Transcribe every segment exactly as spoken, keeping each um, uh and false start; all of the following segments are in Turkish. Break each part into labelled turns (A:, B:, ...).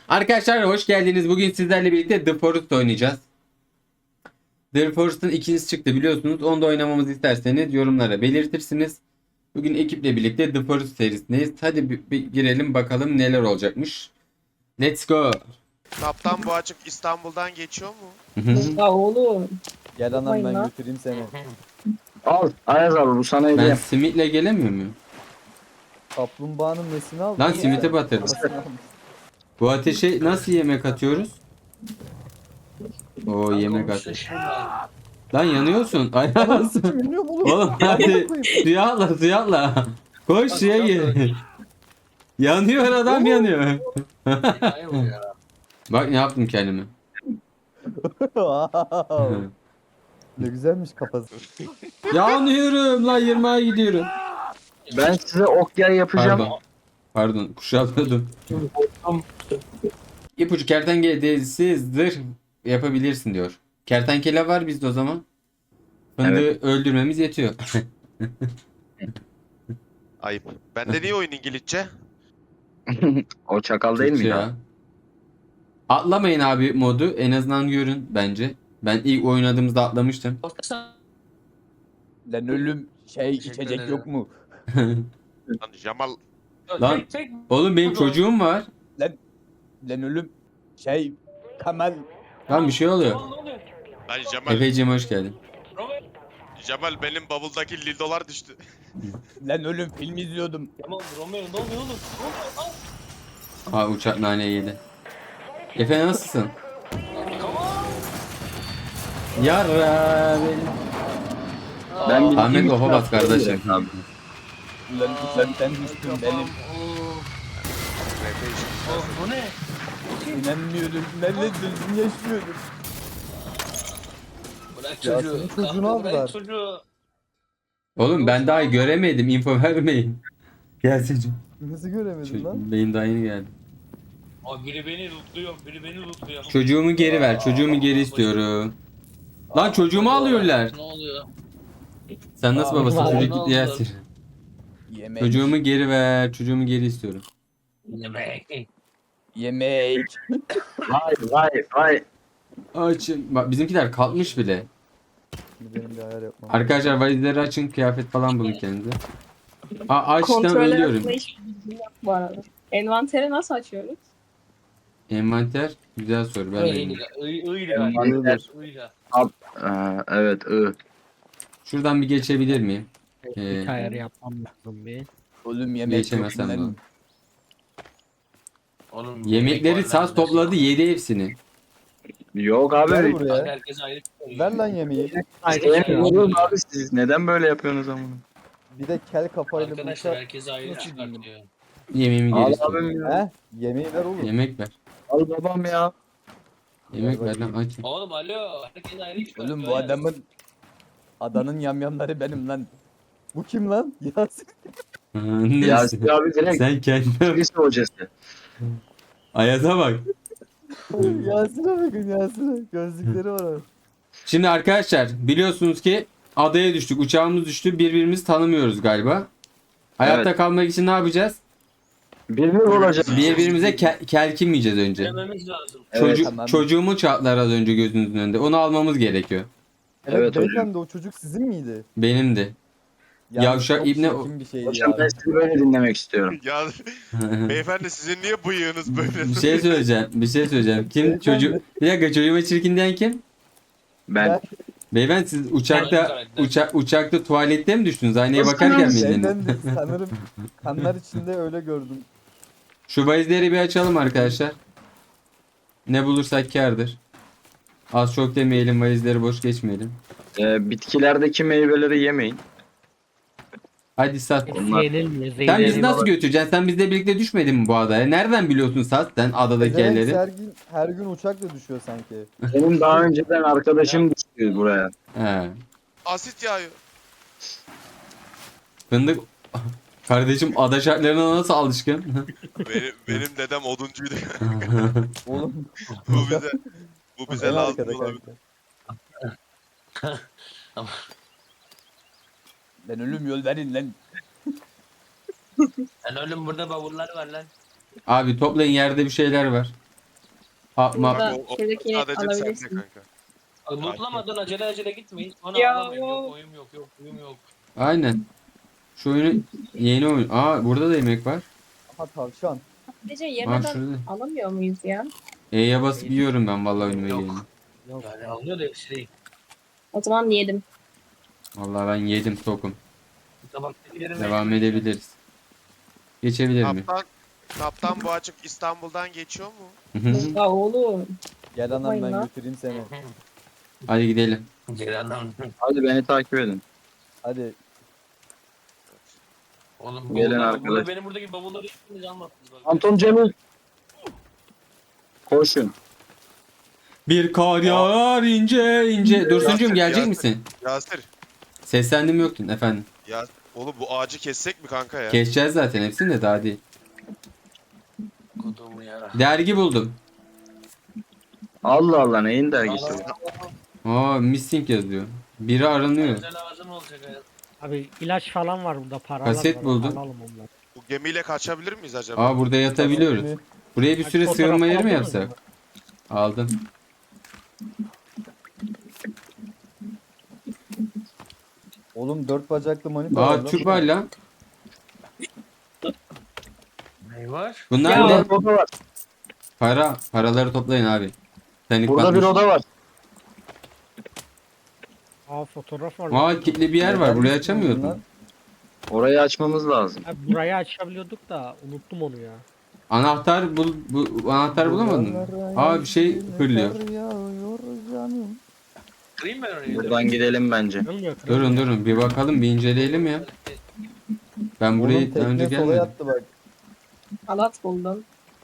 A: Arkadaşlar hoş geldiniz. Bugün sizlerle birlikte The Forest oynayacağız. The Forest'ın ikincisi çıktı biliyorsunuz. Onu da oynamamızı isterseniz yorumlara belirtirsiniz. Bugün ekiple birlikte The Forest serisindeyiz. Hadi bir, bir girelim bakalım neler olacakmış. Let's go.
B: Kaptan bu açık İstanbul'dan geçiyor mu?
C: Ya oğlum.
D: Gel anam
C: Yapmayın
D: ben
C: lan.
D: götüreyim seni.
E: Al Ayaz abi bu sana
A: Ben
E: hediye.
A: simitle gelemiyor muyum?
D: Kaplumbağanın nesini aldın?
A: Lan
D: ya?
A: simite batırdım.
D: Kafasını almış.
A: Bu ateşe nasıl yemek atıyoruz? O yemek at. Lan yanıyorsun. Ayağısın.
D: Bilmiyorum oğlum.
A: Oğlum hadi suya atla suya atla. Koş suya gir. Yanıyor adam yanıyor. Bak ne yaptım kendime.
D: Wow. Ne güzelmiş kafası.
A: Yanıyorum lan yirmiye gidiyorum.
E: Ben size ok yay yapacağım.
A: Pardon. Pardon kuşatladım. İpucu kertenkele derisi zırh yapabilirsin diyor. Kertenkele var bizde o zaman. Fındığı öldürmemiz yetiyor.
B: Ayıp. Bende niye oyun İngilizce?
E: O çakal değil mi
A: Türkçe
E: ya?
A: Atlamayın abi modu. En azından görün bence. Ben ilk oynadığımızda atlamıştım.
D: Lan ölüm şey içecek yok mu?
B: Lan Jamal
A: Lan oğlum benim çocuğum var.
D: Lan ölüm şey Kemal.
A: Lan bir şey oluyor.
B: Lan Jamal
A: Efeciğim hoş geldin.
B: Jamal benim bavuldaki lildolar düştü.
D: Lan ölüm film izliyordum.
F: Tamam Romeo ne oluyor oğlum? Ne oluyor lan?
A: Aa uçak nane yedi. Efe nasılsın? Yara beni.
E: Ben bir
A: Ahmet
E: iki-
A: ofa bas kardeşim.
E: Abi.
D: Lan lan sen düştün benim.
F: Oh, bu ne?
D: İnanmıyordum. Ben de düzgün yaşıyordum.
F: Bırak
D: Ya
F: çocuğu.
D: senin çocuğunu
F: Kanka,
D: aldılar.
F: Bırak çocuğu.
A: Oğlum ben daha göremedim. Info vermeyin. Gelsin.
D: Nasıl göremedin lan?
A: Benim daha yeni geldi.
F: Aa, biri beni lootluyor, biri beni lootluyor.
A: Çocuğumu geri ver. Çocuğumu geri istiyorum. Lan çocuğumu alıyorlar.
F: Ne oluyor?
A: Sen nasıl
D: Aa,
A: babasın?
F: ne
A: Çocuk
F: oldu?
A: gitti yersin.
D: Yemek.
A: Çocuğumu geri ver. Çocuğumu geri istiyorum.
F: Yemek.
D: Yemek.
E: Vay vay vay.
A: Açın. Bak bizimkiler kalkmış bile.
D: Benim bir ayar yapmam.
A: Arkadaşlar valizleri açın. Kıyafet falan bulun kendinize. Aa açtım
C: Kontroller
A: ölüyorum.
C: hakkında hiçbir bilgim yok bu arada. Envanteri nasıl açıyoruz?
A: Envanter. Güzel soru. Ben de bilmiyorum.
F: Öyle, öyle,
E: Envanter.
F: öyle.
E: Ee, evet ı.
A: Şuradan bir geçebilir miyim? Ee,
G: Bir ayar yapmam lazım bir.
D: Oğlum yemek yok
A: geçemezsem
D: lan.
A: lan.
F: Oğlum,
A: Yemekleri
F: yemek var
A: saz
F: lan,
A: topladı yedi hepsini.
E: Yok
D: Gel
E: abi.
F: Kanka,
D: buraya.
F: herkes ayrı tutuyor.
D: Ver lan yemeği.
E: Sevmiyorum abi siz. Neden böyle yapıyorsunuz ama?
D: Bir de kel kafayla
F: Arkadaşlar
D: bıçak.
F: herkes ayrı
D: Nasıl
F: çıkartıyor.
A: Yemeğimi geri
E: Al
A: istiyorum.
E: abim ya.
D: He? Yemeği ver oğlum.
A: Yemek ver.
E: Al babam ya.
A: Yemek ver lan açın.
F: Oğlum alo, herkes ayrı çıkartıyor.
D: Oğlum bu
F: ya.
D: adamın adanın yamyamları benim lan. Bu kim lan? Yasin.
A: Neyse.
E: Yasin abi direkt
A: Sen kendin.
E: lise hocası.
A: Ayaz'a bak.
D: Yasin'e bakın Yasin'e. Gözlükleri var abi.
A: Şimdi arkadaşlar biliyorsunuz ki adaya düştük. Uçağımız düştü. Birbirimizi tanımıyoruz galiba. Hayatta
E: Evet.
A: kalmak için ne yapacağız?
E: Bir bir olacak.
A: Birbirimize ke- kelkinmeyeceğiz önce.
F: Dememiz lazım.
E: Evet,
A: Çocuk,
D: tamam.
A: çocuğumu çatlar az önce gözünüzün önünde. Onu almamız gerekiyor.
D: Evet,
E: Evet hocam.
D: beyefendi o çocuk sizin miydi?
A: Benimdi.
D: Yani
A: Yavşak
D: çok
A: ibne-
D: çirkin bir şeydi
E: Hocam
D: ya.
E: ben sizi böyle dinlemek istiyorum.
B: Ya beyefendi sizin niye bıyığınız böyle?
A: Bir şey söyleyeceğim. Bir şey söyleyeceğim. Kim
D: Beyefendi.
A: çocuk? Bir dakika çocuğuma çirkin diyen kim?
E: Ben.
A: Beyefendi siz uçakta
F: karakter.
A: uçak uçakta tuvalette mi düştünüz? Aynaya
E: Nasıl
A: bakarken
E: lan?
A: miydiniz?
D: Beyefendi sanırım kanlar içinde öyle gördüm.
A: Şu valizleri bir açalım arkadaşlar. Ne bulursak kârdır. Az çok demeyelim, valizleri boş geçmeyelim.
E: Ee, bitkilerdeki meyveleri yemeyin.
A: Hadi Sat.
E: Onlar-
G: Yenilmiyor.
A: Sen bizi
G: Zeyleri
A: nasıl götüreceksin? Sen bizle birlikte düşmedin mi bu adaya? Nereden biliyorsun Sat sen adadaki
D: Demek
A: yerleri?
D: her gün, her gün uçakla düşüyor sanki.
E: Benim daha önceden arkadaşım düştü buraya.
A: He.
B: Asit yağıyor.
A: Fındık kardeşim ada şartlarına nasıl alışkın?
B: Benim, benim dedem oduncuydu.
D: Oğlum
B: bu bize bu bize
D: en
B: lazım
D: arkada
B: olabilir.
D: kanka. Ben ölüm yol verin lan.
F: Sen oğlum burada bavullar var lan.
A: Abi toplayın yerde bir şeyler var. Hap map.
C: Burada
B: Bak, o- o
C: şuradaki
B: sadece sende
C: alabilirsin.
B: kanka.
F: Lootlamadan acele acele gitmeyin. Ona
C: Ya,
F: alamıyorum. Yok
C: o-
F: oyun yok. Yok oyun yok.
A: Aynen. Şu oyunu yeni oyun. Aa burada da yemek var.
D: Aha tavşan.
C: Sadece
A: Aa
C: yemeden
A: şurada.
C: alamıyor muyuz ya?
A: E'ye basıp yiyorum ben vallahi önüme
F: Yok.
A: geleni.
D: Yok.
F: Yani alıyor da hepsi değil.
C: O zaman yedim.
A: Vallahi ben yedim tokum.
F: Tabaktakilerin
A: Devam edebiliriz. Geçebilir mi?
B: Kaptan, kaptan bu açık İstanbul'dan geçiyor mu?
A: Hı hı.
C: Ya oğlum.
D: Gel anam
C: Yapmayın
D: ben
C: lan.
D: götüreyim seni.
A: Hadi gidelim.
F: Ceren'den.
E: Hadi beni takip edin.
D: Hadi.
F: Oğlum
E: Gelin
F: bavullar-
E: arkadaş.
F: burada benim buradaki bavulları hiçbiriniz almadınız. bak.
E: Anton Cemil. Koşun.
A: Bir kar yağar ince ince. Dursuncuğum
B: Yasir,
A: gelecek
B: Yasir.
A: misin?
B: Yasir.
A: Seslendim yoktun efendim.
B: Ya oğlum bu ağacı kessek mi kanka ya?
A: Geçeceğiz zaten hepsini de daha değil.
F: Kodumu yara.
A: Dergi buldum.
E: Allah Allah neyin dergisi?
F: Aa,
A: Aa missing yazıyor. Biri aranıyor.
F: Özel lazım olacak hayat.
G: Abi ilaç falan var burada, paralar
A: Kaset
G: var.
A: buldum.
G: Alalım onları.
B: Bu gemiyle kaçabilir miyiz acaba?
A: Aa burada yatabiliyoruz. Buraya bir süre
G: Fotoğraf
A: sığınma yeri mi
G: aldınız
A: yapsak?
G: mı?
A: Aldım.
D: Oğlum dört bacaklı manita
A: Aa
D: var lan.
A: Türk var lan.
F: Ne var?
A: Bunlar
C: Ya.
A: ne?
E: Burada bir oda var.
A: Para. Paraları toplayın abi. Titanic
E: Burada bir
A: batmış.
E: oda var.
G: Aa fotoğraf var.
A: Aa kilitli bir yer var. Burayı açamıyordum.
E: Orayı açmamız lazım.
G: Abi, burayı açabiliyorduk da unuttum onu ya.
A: Anahtar bul bu bu anahtar bulamadın mı? Aa bir şey fırlıyor.
F: Kırayım ben orayı.
E: Buradan gidelim bence.
G: Kırılmıyor, kırılmıyor.
A: Durun durun bir bakalım bir inceleyelim ya. Ben buraya
D: Oğlum
A: daha önce
D: tekne sola
A: gelmedim.
D: yattı bak.
C: Halat buldum.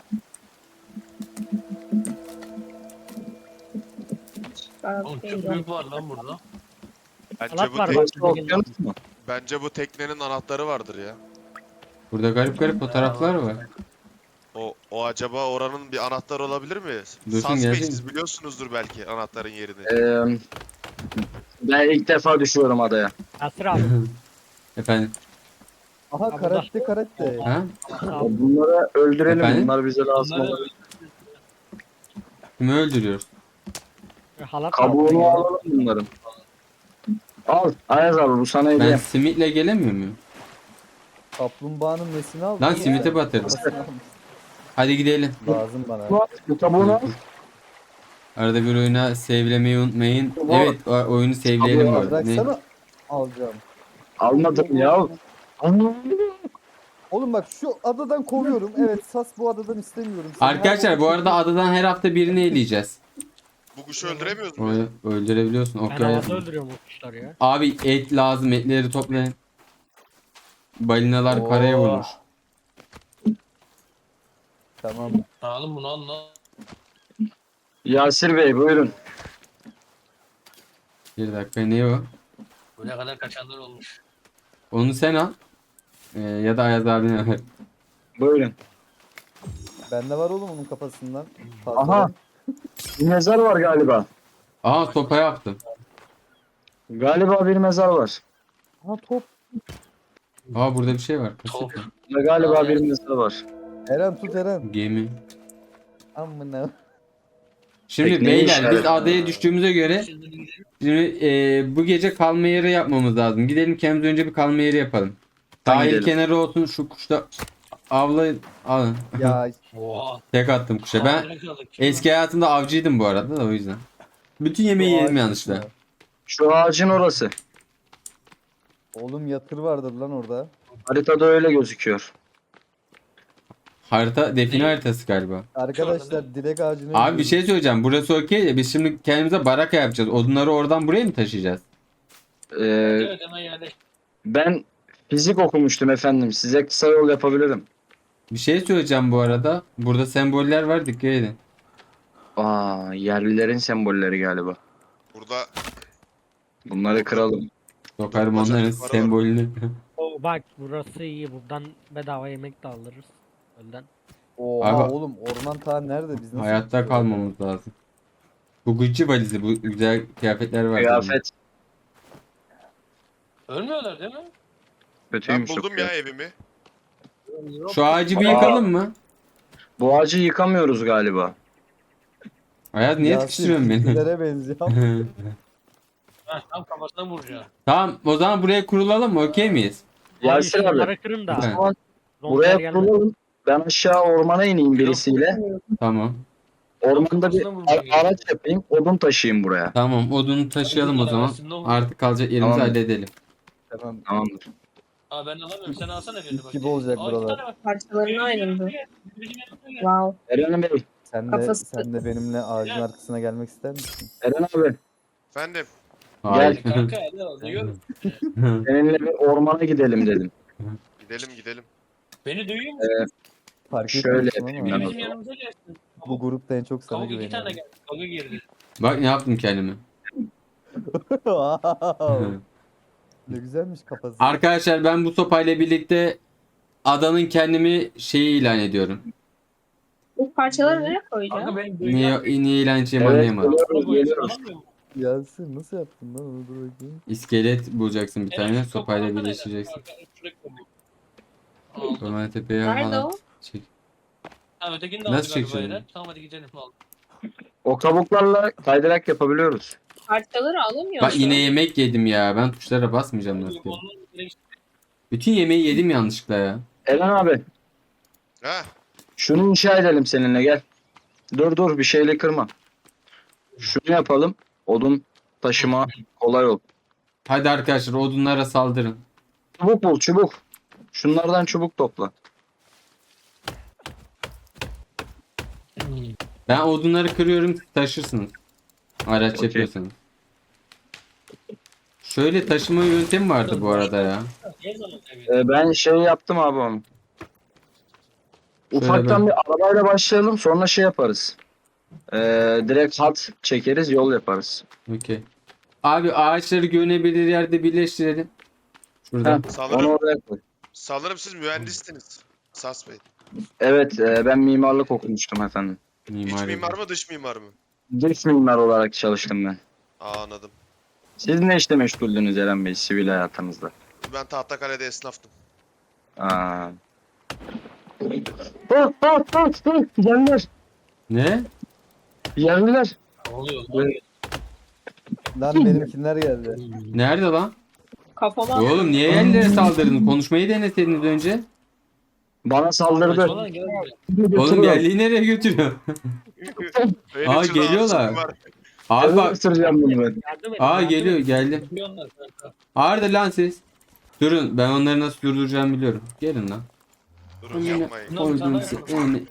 C: Ben
F: Oğlum
C: atayım
F: çok
C: da.
F: büyük var lan burada.
B: Bence
G: Halat
B: bu,
G: var
B: tek-
G: bak.
E: Burası okyanus mu?
B: bence bu teknenin anahtarı vardır ya.
A: Burada garip garip fotoğraflar var.
B: O, o acaba oranın bir anahtarı olabilir mi?
A: Dursun,
B: Suspect,
A: gelecek
B: siz biliyorsunuzdur belki anahtarın yerini.
E: Ee, ben ilk defa düşüyorum adaya.
G: Yasir abi.
A: Efendim.
D: Aha
G: Aa,
D: karate karate.
A: Ha?
G: Abi,
E: Bunları öldürelim.
A: Efendim?
E: Bunlar bize lazım
F: Bunları-
E: olabilir.
A: Kimi öldürüyoruz?
G: halat var.
E: Kabuğunu alalım bunların. Al Ayaz abi bu sana
A: Ben
E: hediye.
A: simitle gelemiyor muyum?
D: Kaplumbağanın nesini aldın?
A: Lan
D: ya?
A: simite batırdım.
D: Kafasını almış.
A: Hadi gidelim.
D: Lazım bana.
E: Bu kabuğunu al.
A: Arada bir oyuna sevlemeyi unutmayın. Evet o- oyunu sevleyelim bu arada. Ne?
D: Bıraksana. Alacağım.
E: Almadım ya.
D: Oğlum bak şu adadan kovuyorum. Evet Sas bu adadan istemiyorum. Seni
A: Arkadaşlar
D: her
A: bu arada adadan her hafta birini eleyeceğiz.
B: Bu kuşu öldüremiyoruz mu?
A: Orayı öldürebiliyorsun.
G: Ben
A: Okey.
G: havada öldürüyorum o kuşları ya.
A: Abi et lazım. Etleri toplayın. Balinalar
D: Oo.
A: paraya vurmuş.
D: Tamam.
F: Alın bunu alın lan.
E: Yasir Bey buyurun.
A: Bir dakika ne o?
F: Buraya kadar kaçanlar olmuş.
A: Onu sen al. Ee, ya da Ayaz abine ver.
E: Buyurun.
D: Bende var oğlum onun kafasından. Fazla.
E: Aha. Bir mezar var galiba.
A: Aha sopa yaptım.
E: Galiba bir mezar var.
D: Aha top.
A: Aa burada bir şey var. Kaset
F: Top.
A: var.
E: Ve galiba bir mezar var.
D: Eren tut Eren.
A: Gemi.
D: Amına.
A: Şimdi
E: Tekneyi
A: beyler biz
E: işaret-
A: adaya düştüğümüze göre şimdi e, bu gece kalma yeri yapmamız lazım. Gidelim kendimize önce bir kalma yeri yapalım. Sahil
E: gidelim.
A: kenarı olsun şu kuşta avlayın. Alın.
D: Ya
F: Oha.
A: Tek attım kuşa. Ben
F: Havada kaldık.
A: eski hayatımda avcıydım bu arada da o yüzden. Bütün yemeği
D: bu
A: yedim
D: ağaç
A: yanlışlıkla.
D: mı?
E: Şu ağacın orası.
D: Oğlum yatır vardır lan orada.
E: Haritada öyle gözüküyor.
A: Harita define haritası galiba.
D: Arkadaşlar dilek ağacını
A: Abi bir
D: öldürdüm.
A: şey söyleyeceğim. Burası okey de biz şimdi kendimize baraka yapacağız. Odunları oradan buraya mı taşıyacağız?
E: Ee,
F: Evet hemen yerleş.
E: ben fizik okumuştum efendim. Size kısa yol yapabilirim.
A: Bir şey söyleyeceğim bu arada. Burada semboller var dikkat edin.
E: Aa, yerlilerin sembolleri galiba.
B: Burada
E: Bunları kıralım.
A: Sokarım
B: Bacak
A: onların
B: yukarı var.
A: sembolünü.
G: Oo, bak burası iyi. Buradan bedava yemek de alırız. Önden.
D: Oha
A: Abi-
D: oğlum orman ta nerede biz nasıl
A: Hayatta
D: gideceğiz?
A: kalmamız lazım. Bu Gucci valizi bu güzel kıyafetler var.
E: Kıyafet
F: Ölmüyorlar değil mi?
B: ben
E: kötüymüş.
B: buldum
E: çok
B: ya
E: ya.
B: evimi.
A: Şu ağacı bir
E: Aa.
A: yıkalım mı?
E: Bu ağacı yıkamıyoruz galiba.
A: Ayaz niye
D: Yasin,
A: sıkıştırıyorsun beni?
D: Türklere benziyor.
F: Ha, tam kafasına vuracağım.
A: Tamam o zaman buraya kurulalım mı? Okey miyiz?
E: Yasin abi.
G: şunları kırın da.
A: Ha,
E: Tamam,
G: Zombiler
E: buraya
G: gelmedi.
E: kurulun. Ben aşağı ormana ineyim birisiyle.
A: tamam.
E: Ormanda bir
F: Kafasına vuracağım.
E: a- araç yapayım. Odun taşıyayım buraya.
A: Tamam odunu taşıyalım o zaman.
F: Aslında o-
A: Artık kalacak yerimizi
E: Tamam.
A: halledelim.
D: Tamam.
E: Tamamdır.
F: Aa ben alamıyorum. Sen alsana birini bak.
D: gibi olacak
F: Aa, iki
D: buralar.
F: tane var.
C: Parçalarına ayrıldı.
F: Birinin yanına gel.
C: Wow.
E: Eren Bey.
D: Sen de,
C: Kafası-
D: sen de benimle ağacın arkasına gelmek ister misin?
E: Eren abi.
B: Efendim.
A: Hayır.
F: Kanka hadi al. Duyuyorum.
E: Seninle bir ormana gidelim dedim.
B: Gidelim gidelim.
F: Beni duyuyor musun?
D: Fark
E: Şöyle
D: etmiyorsun
E: yapayım
D: ama
E: ben o
F: Bizim
E: zaman.
F: yanımıza gelsin.
D: bu grupta en çok sana
F: Kavga iki tane
D: güveniyorum.
F: geldi. Kavga girdi.
A: Bak ne yaptım kendime.
D: Wow. Ne güzelmiş kafası.
A: Arkadaşlar ben bu sopayla birlikte adanın kendimi şeyi ilan ediyorum.
C: Bu parçaları nereye koyacağım?
F: Kanka beni duyuyor.
A: Niye, niye ilan edeceğimi
E: Evet,
A: anlayamadım.
E: geliyoruz, geliyoruz.
F: Alamıyor mu?
D: Yasin nasıl yaptın lan onu dur bakayım.
A: İskelet bulacaksın bir
F: Eren,
A: tane
F: şu
A: sopayla
F: kapağını da
A: birleştireceksin.
F: kanka, şuraya koyayım. Aldım.
A: Orman tepeye
C: Nerede
A: halat
C: o?
A: çek.
F: Ha ötekini de
A: Nasıl
F: aldı galiba
A: çekeceğim?
F: Eren. Tamam hadi gidelim. Aldım.
E: O kabuklarla kaydırak yapabiliyoruz.
C: Parçaları alamıyor
A: Bak
C: şu
A: yine
C: an.
A: yemek yedim ya. Ben tuşlara basmayacağım nasıl ki.
F: Onun direkt-
A: Bütün yemeği yedim yanlışlıkla ya.
E: Eren abi.
B: Ha?
E: Şunu inşa edelim seninle gel. Dur dur bir şeyle kırma. Şunu yapalım. Odun taşıma kolay ol.
A: Hadi arkadaşlar odunlara saldırın.
E: Çubuk bul çubuk. Şunlardan çubuk topla.
A: Ben odunları kırıyorum siz taşırsınız. Araç
E: Okey.
A: yapıyorsanız. Şöyle taşıma yöntemi vardı bu arada ya.
F: Her zaman tabii.
E: Ee, ben şey yaptım abi onu.
A: Şöyle
E: Ufaktan
A: ben-
E: bir arabayla başlayalım sonra şey yaparız. Ee, direkt hat çekeriz yol yaparız.
A: Okey. Abi ağaçları görünebilir yerde birleştirelim. Şurada.
E: Heh,
B: Sanırım,
E: onu oraya koy.
B: sanırım siz mühendissiniz. Sas Bey.
E: Evet e, ben mimarlık okumuştum efendim.
B: İç
A: Mimari.
B: mimar mı dış mimar mı?
E: Dış mimar olarak çalıştım ben.
B: Aa anladım.
E: Siz ne işle meşguldünüz Eren Bey sivil hayatınızda?
B: Ben Tahtakale'de esnaftım.
E: Aa. Bak bak bak bak geldiler.
A: Ne?
E: Geldiler.
F: Ne oluyor?
E: Evet.
D: Lan benimkiler geldi.
A: Nerede lan?
C: Kafama
A: Oğlum niye yerlere saldırdın? Konuşmayı deneseydiniz önce.
E: Bana saldırdı.
F: Falan gel buraya.
A: Oğlum geldiği nereye götürüyor?
B: Benim
A: Aa,
B: için
A: geliyorlar.
B: ağzım var.
A: Abi
E: Abi
A: bak.
E: ısıracağım bunu ben.
F: Yardım et.
A: Aa
F: yardım
A: geliyor
F: et.
A: geldim.
F: Yapıyorlar kanka.
A: Ağırdır lan siz. Durun ben onları nasıl durduracağımı biliyorum. Gelin lan.
B: Durun yapmayın.
F: Bunlar bir tane
A: Koydum
F: var.
A: seni.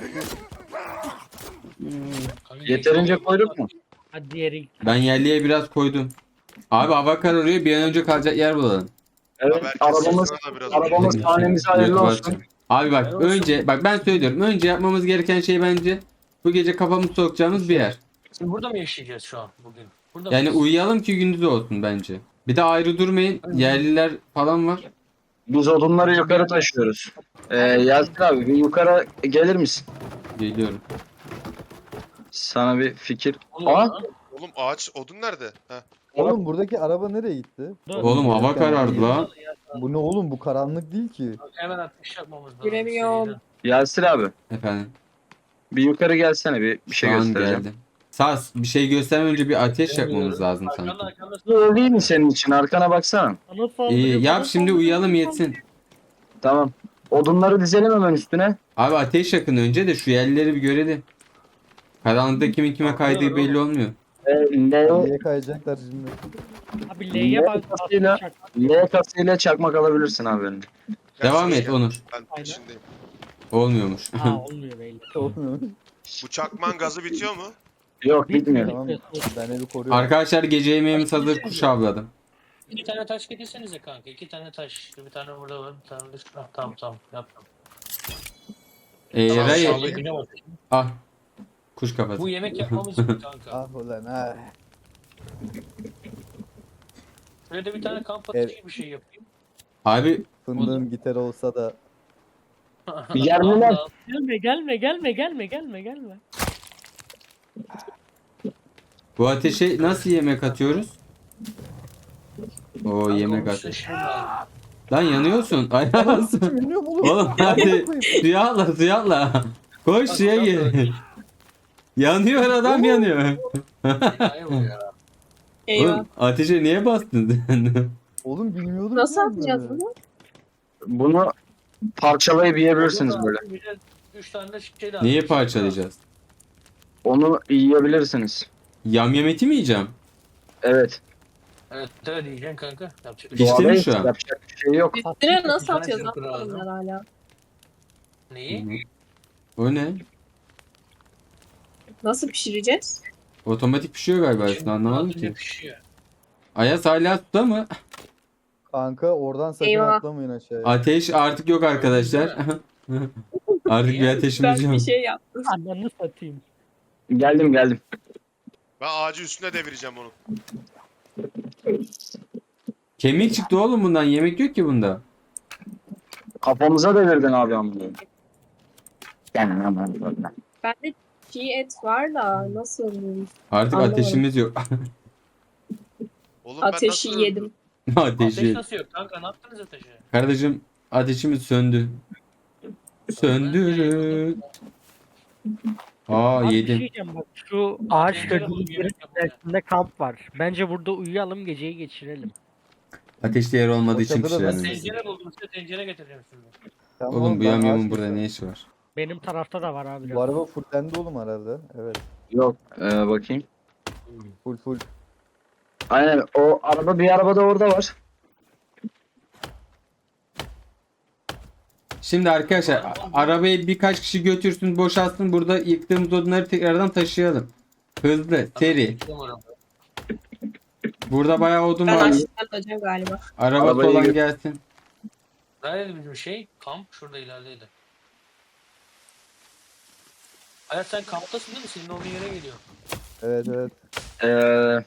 F: Kanka,
E: Yeterince
F: geçiyor.
E: koyduk mu?
G: Hadi diğeri.
A: Ben yerliğe biraz koydum. Abi hava kararıyor bir an önce kalacak yer bulalım.
E: Evet
B: Haber
E: arabamız
B: kesesine de biraz
E: arabamız
B: uğraşın.
E: hanemize hayırlı
A: YouTube
E: olsun.
A: açacağım. Abi bak önce bak ben söylüyorum. Önce yapmamız gereken şey bence bu gece kafamızı sokacağımız bir yer.
F: Şimdi burada mı yaşayacağız şu an bugün? Burada
A: Yani
F: mıyız?
A: uyuyalım ki gündüz olsun bence. Bir de ayrı durmayın. Yerliler falan var.
E: Biz odunları yukarı taşıyoruz. Ee, Yasin abi bir yukarı gelir misin?
A: Geliyorum.
E: Sana bir fikir.
F: Oluyor
E: Aa,
F: lan.
B: Oğlum ağaç odun nerede? Heh.
D: Oğlum buradaki araba nereye gitti?
A: Oğlum hava karardı la.
D: Bu ne oğlum bu karanlık değil ki.
F: Hemen ateş yapmamız lazım.
C: Giremiyorum.
F: Seriden.
E: Yasin abi
A: Efendim.
E: bir yukarı gelsene bir, bir şey
A: Şu an
E: göstereceğim.
A: geldim. Sas bir şey göstermeden önce bir ateş yakmamız lazım
F: Arkanda
A: sanki.
F: arkanda.
E: Bu değil mi senin için? Arkana baksana.
G: Bana saldırıyor,
A: İyi
G: bana
A: yap şimdi
G: saldırıyor,
A: uyuyalım
G: bana
A: yetsin.
E: Tamam. Odunları dizelim hemen üstüne.
A: Abi ateş yakın önce de şu yerlileri bir görelim. Karanlıkta kimin kime kaydığı belli olmuyor.
E: Ee, L,
D: Niye kayacaklar şimdi?
G: saldırıyor. Abi L'ye bak.
E: Kasıyla- L kasıyla çakmak alabilirsin abi benim.
A: Devam
B: Gerçi
A: et
B: gel.
A: Onur.
B: Ben peşindeyim.
A: Olmuyormuş.
G: Aa olmuyor belli.
D: Olmuyor.
B: Bu çakman gazı bitiyor mu?
E: Yok bitmiyor.
D: Tamam ben evi koruyorum.
A: Arkadaşlar gece yemeğimiz hazır kuş avladım.
F: İki tane taş getirsenize kanka. İki tane taş. Bir tane burada var. Bir tane de şurada. Tamam tamam. Yaptım.
A: Ee,
B: Tamam,
A: Ray,
B: sağ ol.
F: Güne bak.
A: ah. Kuş kafası.
F: Bu yemek yapmamız için kanka.
D: Ah ulan ah.
F: Şöyle de bir tane kamp
D: Evet.
F: ateşi bir şey yapayım.
A: Abi
D: Fındığın gitarı olsa da
E: Yerliler.
F: Al, al.
G: Gelme gelme gelme gelme gelme gelme.
A: bu ateşe nasıl yemek atıyoruz? O yemek
F: Kanka,
A: at.
F: onu şey lazım.
A: Lan yanıyorsun. Ayağız.
D: bilmiyorum oğlum.
A: Oğlum hadi suya atla suya atla. Koş suya gir. Yanıyor adam yanıyor.
F: Enayi bu ya.
C: Eyvah.
A: Oğlum ateşe niye bastın sen?
D: Oğlum bilmiyordum.
C: Nasıl
D: ki
C: atacağız
D: bunları.
C: bunu?
E: Bunu parçalayıp yiyebilirsiniz böyle.
F: Bir de üç tane de şey lazım.
A: Niye
F: Şey
A: parçalayacağız?
E: Onu yiyebilirsiniz.
A: Yamyam eti mi yiyeceğim?
E: Evet.
F: Evet öyle diyeceksin kanka. Yapacak bir
A: Pişti
F: şey.
A: mi
E: Doğadayız,
A: şu an?
E: yapacak bir şey yok.
C: Üstüne nasıl
F: Bir tane
C: atacağız?
F: çırpı
C: Atmadım
F: lazım.
C: ben hala.
F: Neyi?
A: O ne?
C: Nasıl pişireceğiz?
A: Otomatik pişiyor galiba
F: Şimdi
A: üstüne anlamadım
F: altında
A: ki.
F: pişiyor.
A: Ayaz hala suda mı?
D: Kanka oradan sakın
C: Eyvah.
D: atlamayın aşağıya.
A: Ateş artık yok arkadaşlar. Artık bir ateşimiz
C: Ben
A: yok.
C: bir şey yaptım.
G: Ananı satayım.
E: Geldim geldim.
B: Ben ağacı üstüne devireceğim onu.
A: Kemik çıktı oğlum bundan. Yemek yok ki bunda.
E: Kafamıza devirdin abi amına. Gel lan lan.
C: Bende çiğ et var da nasıl?
A: Artık
C: Anlamadım.
A: ateşimiz yok.
B: Oğlum ben
C: Ateşi
B: nasıl
C: yedim.
F: Ateş
A: Ateşi.
F: nasıl yok kanka? Ne yaptınız ateşe?
A: Kardeşim ateşimiz söndü. Söndürün. Aa
G: Abi bir şey
A: yedim.
G: diyeceğim bak şu ağaç
F: Tencere
G: dediği
F: buldum,
G: yerin
F: yemek yapmaya.
G: içerisinde kamp var. Bence burada uyuyalım geceyi geçirelim.
A: Ateşli yer olmadığı
D: O
A: için
D: çadıra ben
A: pişiremeyiz.
F: Tencere buldum size tencere getireceğim şimdi.
D: Tamam,
A: Oğlum bu
D: ben
A: yamyamın
D: ağaç
A: burada
D: keserim.
A: ne işi var?
G: Benim tarafta da var abi.
D: Bu araba fullendi oğlum herhalde. Evet.
E: Yok. Ee, bakayım.
D: Full full.
E: Aynen o araba bir araba da orada var.
A: Şimdi arkadaşlar a- arabayı birkaç kişi götürsün boşaltsın. Burada yıktığımız odunları tekrardan taşıyalım. Hızlı, seri. Burada bayağı odun
C: Ben
A: var.
C: açlıktan öleceğim galiba.
A: Arabası
E: Arabayı
A: olan
E: gö-
A: gelsin.
F: Nerede bizim şey? Kamp şurada ilerideydi. Hayat sen kamptasın değil mi? Senin olduğun yere geliyor.
D: Evet evet.
E: Ee,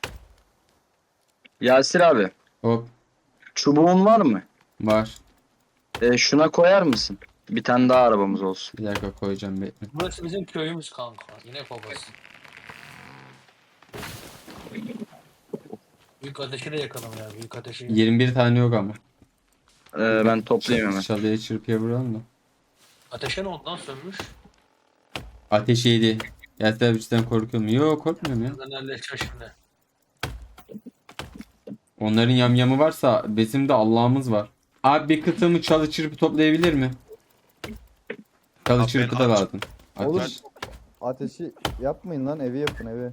E: Yasir abi.
A: Hop
E: Çubuğun var mı?
A: var.
E: Ee, şuna koyar mısın? Bir tane daha arabamız olsun.
A: Bir dakika koyacağım bekle.
F: Burası bizim köyümüz kanka. Yine babası. Büyük ateşi de yakalım ya. Büyük ateşi.
A: yirmi bir tane yok ama.
E: Ee, ben toplayayım hemen.
A: Çalıya çırpıya vuralım da.
F: Ateşe ne ondan sönmüş?
A: Ateş yedi. Yasir abi cidden korkuyor mu? Yok korkmuyorum ya.
F: Ben halledeceğim şimdi.
A: Onların yamyamı varsa bizim de Allah'ımız var. Abi bir kısmı çalı çırpı toplayabilir mi? Çalı
B: Abi ben
A: çırpı da
B: aç-
A: lazım.
D: Oğlum
A: Ateş.
D: ateşi yapmayın lan, evi yapın evi.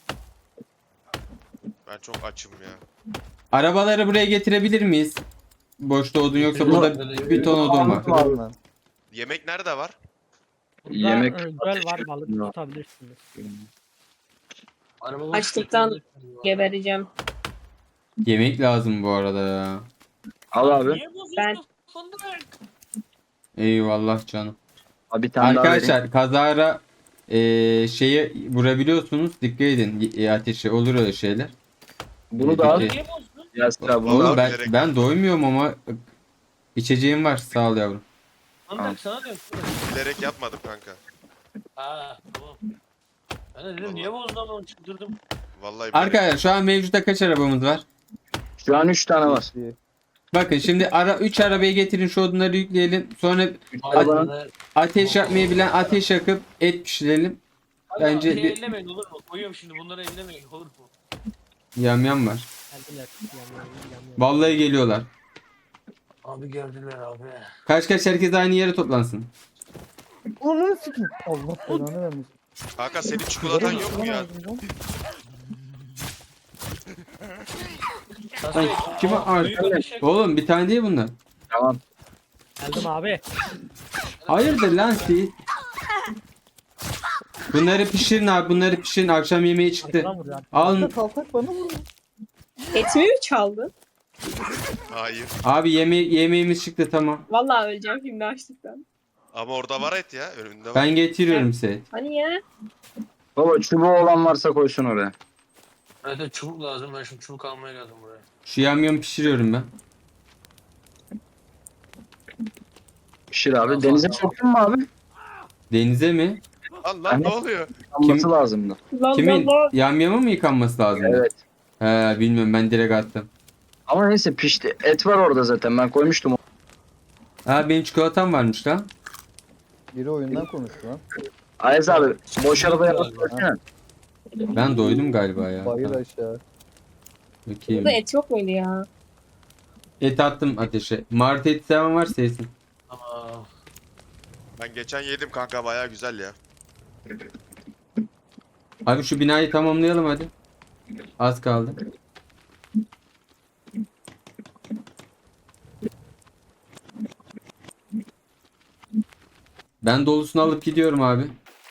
B: Ben çok açım ya.
A: Arabaları buraya getirebilir miyiz? Boşta odun yoksa burada bir ton odun var.
D: Var lan.
B: Yemek nerede var?
G: Burada
E: Yemek
G: e, göl var balık
E: Yok.
G: tutabilirsiniz.
F: Araba
C: Açlıktan Gebereceğim.
A: Yemek lazım bu arada ya.
E: Al abi.
F: Niye bozuyorsun
C: Ben-
F: fındık?
A: Eyvallah canım.
E: Abi bir tane daha vereyim.
A: Arkadaşlar kazara eee şeyi vurabiliyorsunuz. Dikkat edin y- ateşe olur öyle şeyler.
E: Bunu da al.
A: Peki.
F: Niye bozdun?
E: Yasir abi bunu
A: Oğlum
E: al.
A: ben
B: bilerek
A: ben doymuyorum ama içeceğim var sağ ol yavrum.
F: Fındık sana diyorum.
B: Bilerek yapmadım kanka.
F: Ha tamam. Ben de dedim niye bozdun ama çıldırdım.
B: Vallahi bilerek.
A: Arkadaşlar şu an mevcutta kaç arabamız var?
E: Şu an üç tane var.
D: İyi.
A: Bakın şimdi ara üç arabayı getirin şu odunları yükleyelim. Sonra
E: Arabanın-
F: Arabanın...
A: ateş yakmayı bilen ateş yakıp et pişirelim. Bence
F: Bence
A: bir-
F: bir... ellemeyin olur mu? Koyuyorum şimdi bunları ellemeyin olur mu?
A: Yamyam var.
G: Geldiler. Yan, yan, yan, yan.
A: Vallahi geliyorlar.
F: Abi geldiler abi.
A: Kaç kaç herkes aynı yere toplansın.
D: Onu sikeyim. Allah belanı vermiş.
B: Kanka senin çikolatan yok mu ya?
A: Lan kime ar- Oğlum bir tane değil bunlar.
E: Tamam.
G: Geldim abi.
A: Hayırdır lan siz? Bunları pişirin abi bunları pişirin akşam yemeği çıktı.
G: Arkadan vuruyor.
A: Alın
D: Kaltak bana vurdu.
C: Etimi mi çaldın?
B: Hayır.
A: abi yeme yemeğimiz çıktı tamam.
C: Vallahi öleceğim şimdi açlıktan.
B: Ama orada var et ya. Önünde var.
A: Ben getiriyorum size.
C: Hani ya?
E: Baba çubuğu olan varsa koysun oraya.
F: Evet evet, çubuk lazım ben şimdi çubuk almaya geldim buraya.
A: Şu yamyamı pişiriyorum ben.
E: Pişir abi.
F: Tamam,
E: Denize
F: tamam.
E: soktun mu abi?
A: Denize mi?
B: Lan lan ne oluyor?
E: Alması lazımdı.
C: Lan
A: Kimin?
C: lan lan.
A: Yamyamı mı yıkanması lazım?
E: Evet.
A: He bilmiyorum ben direkt attım.
E: Ama neyse pişti. Et var orada zaten. Ben koymuştum.
A: Ha benim çikolatam varmış lan.
D: Biri oyundan konuştu lan.
E: Ayaz abi boş arabaya
F: Galiba.
E: basmasana.
A: Ben doydum galiba ya.
D: Bayır
A: Tamam,
D: aşağı.
A: bakayım.
C: Burada et yok muydu ya?
A: Et attım ateşe. Martı eti seven varsa yesin.
F: Ama
B: Ben geçen yedim kanka baya güzel ya.
A: Abi şu binayı tamamlayalım hadi. Az kaldı. Ben dolusunu alıp gidiyorum abi.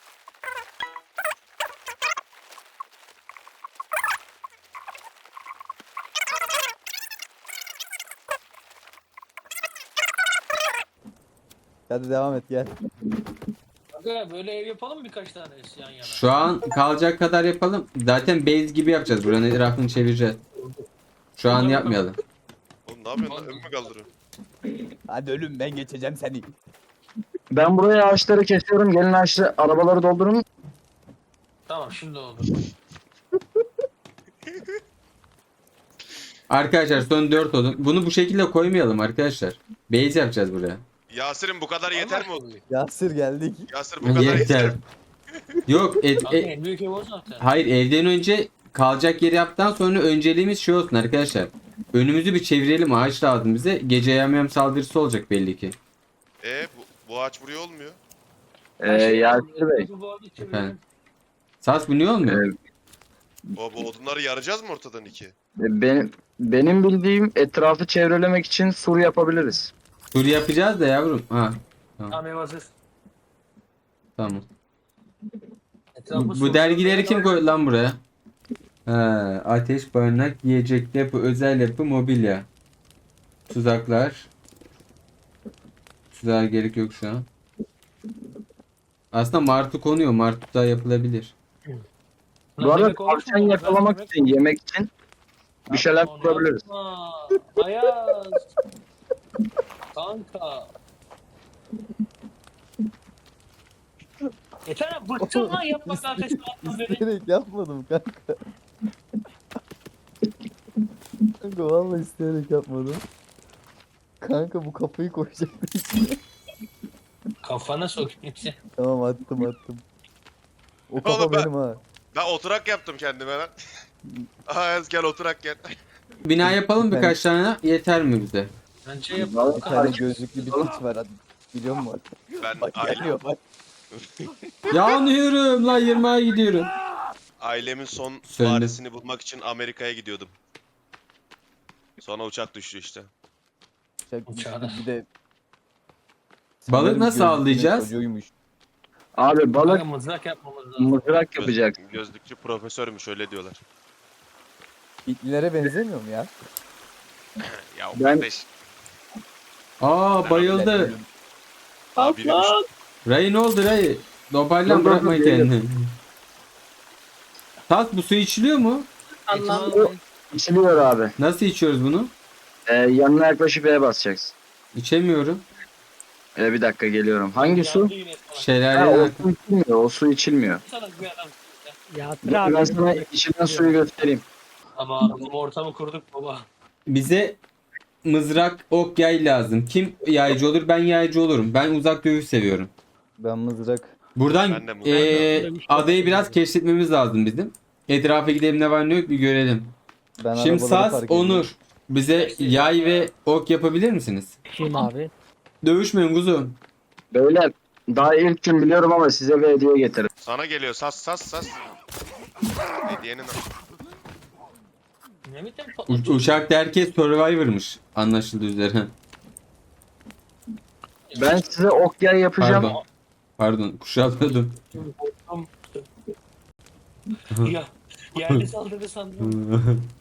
D: Hadi devam et gel.
F: kanka böyle ev yapalım mı birkaç tane yan yana?
A: Şu an kalacak kadar yapalım. Zaten base gibi yapacağız. Buranın etrafını çevireceğiz. Şu an yapmayalım.
B: Oğlum ne yapıyorsun lan? Ön mü kaldırıyorsun?
D: Hadi ölüm ben geçeceğim seni.
E: Ben buraya ağaçları kesiyorum. Gelin ağaçları arabaları doldurun.
F: Tamam şimdi oldu.
A: Arkadaşlar son dört odun. Bunu bu şekilde koymayalım arkadaşlar. Base yapacağız buraya.
B: Yasir'im bu kadar yeter mi?
F: Allah
D: Yasir geldik.
B: Yasir bu kadar yeter.
A: Yeter. Yok et,
F: Kanka
A: e-
F: en büyük ev o zaten.
A: hayır evden önce kalacak yeri yaptıktan sonra önceliğimiz şey olsun arkadaşlar. Önümüzü bir çevirelim, ağaç lazım bize. Gece yamyam saldırısı olacak belli ki.
B: E bu, bu ağaç buraya olmuyor.
E: Ee, Yasir Bey.
F: Bu arada çevirelim.
A: Efendim? Sas bu niye olmuyor?
E: e,
B: O bu odunları yaracağız mı ortadan iki?
E: benim, benim bildiğim etrafı çevrelemek için sur yapabiliriz.
A: Tur yapacağız da yavrum. Ha
F: Tamam ev hazır.
A: tamam.
F: Etrafı
A: Bu,
F: sur-
A: bu dergileri kim koydu lan buraya? Ha, ateş, barınak, yiyecek, depo, özel yapı, mobilya. Tuzaklar. Tuzağa gerek yok şu an. Aslında martı konuyor. Martı da yapılabilir.
F: Lan
E: Bu arada
F: demek olmuş mu?
E: tavşan yakalamak
F: Demek-
E: için, yemek için bir şeyler
F: Onu
E: kurabiliriz.
F: yapma. Ayaz. Kanka. Yeter lan bıktım lan yapmakla ateşle atma beni.
D: İsteyerek yapmadım kanka. Kanka vallahi isteyerek yapmadım. Kanka bu kafayı koyacaktım içine.
F: Kafana sokayım sen.
D: Tamam attım attım. O kafa
B: Oğlum ben-
D: benim ha.
B: Ben oturak yaptım kendime lan. Ayaz gel oturak gel.
A: Bina yapalım birkaç tane. Yeter mi bize?
F: Bence yap.
E: Vallahi
D: Bir tane gözlüklü bir piç var hadi. Biliyor musun?
B: Ben
D: Bak
B: aile,
D: geliyor bak.
A: Yanıyorum lan yirmiye gidiyorum.
B: ailemin son
A: Söndü.
B: varisini bulmak için Amerika'ya gidiyordum. Sonra uçak düştü işte.
D: Çak-
F: Uçağına.
D: Bir de
A: Balık
D: sanırım
A: nasıl
D: gözlüklünün
A: avlayacağız?
D: çocuğuymuş.
E: Abi balık
F: Kanka mızrak yapmamız lazım.
E: mızrak
B: Göz-
E: yapacak.
B: gözlükçü profesörmüş öyle diyorlar.
D: Hitlilere benzemiyor mu ya?
B: Ya
E: Ben-
B: kardeş.
A: Aa bayıldı.
B: Abi yürümüş.
C: Aslan.
A: Ray ne oldu Ray? Dobaylan
E: Dur, dur,
A: bırakma
E: dur,
A: kendini. Tat bu su içiliyor mu?
C: Anlam.
E: İçiliyor abi.
A: Nasıl içiyoruz bunu?
E: Ee, yanına yaklaşıp E'ye basacaksın.
A: İçemiyorum.
E: Ee, bir dakika geliyorum. Hangi su?
F: Yandı yine sana.
E: Ha,
A: Şelaleye
E: o su içilmiyor. O su içilmiyor.
F: Sana bir adam.
G: Yasir
E: Dur, ben
G: abi.
E: sana içilen suyu göstereyim.
F: Ama bu ortamı kurduk baba.
A: bize mızrak, ok, yay lazım. Kim yaycı olur? Ben yaycı olurum. Ben uzak dövüş seviyorum.
D: Ben mızrak.
A: Buradan
B: Ben de mızrak
A: eee, adayı biraz keşfetmemiz lazım bizim. Etrafa gidelim ne var ne yok bir görelim.
D: Ben
A: Şimdi
D: arabaları
A: Sas,
D: park ediyorum.
A: Onur bize yay ve ok yapabilir misiniz?
G: Kim abi?
A: Dövüşmeyin kuzum.
E: Beyler daha ilk gün biliyorum ama size bir hediye getirdim.
B: Sana geliyor sas sas sas. Hediyenin
F: Ne biçim
A: U-
F: patlatıyor?
A: uçakta herkes Survivor'mış anlaşıldığı üzere.
E: Ben size ok yay yapacağım.
A: Pardon. Pardon kuşatmadım.
F: Ya yerde saldırdı sandım.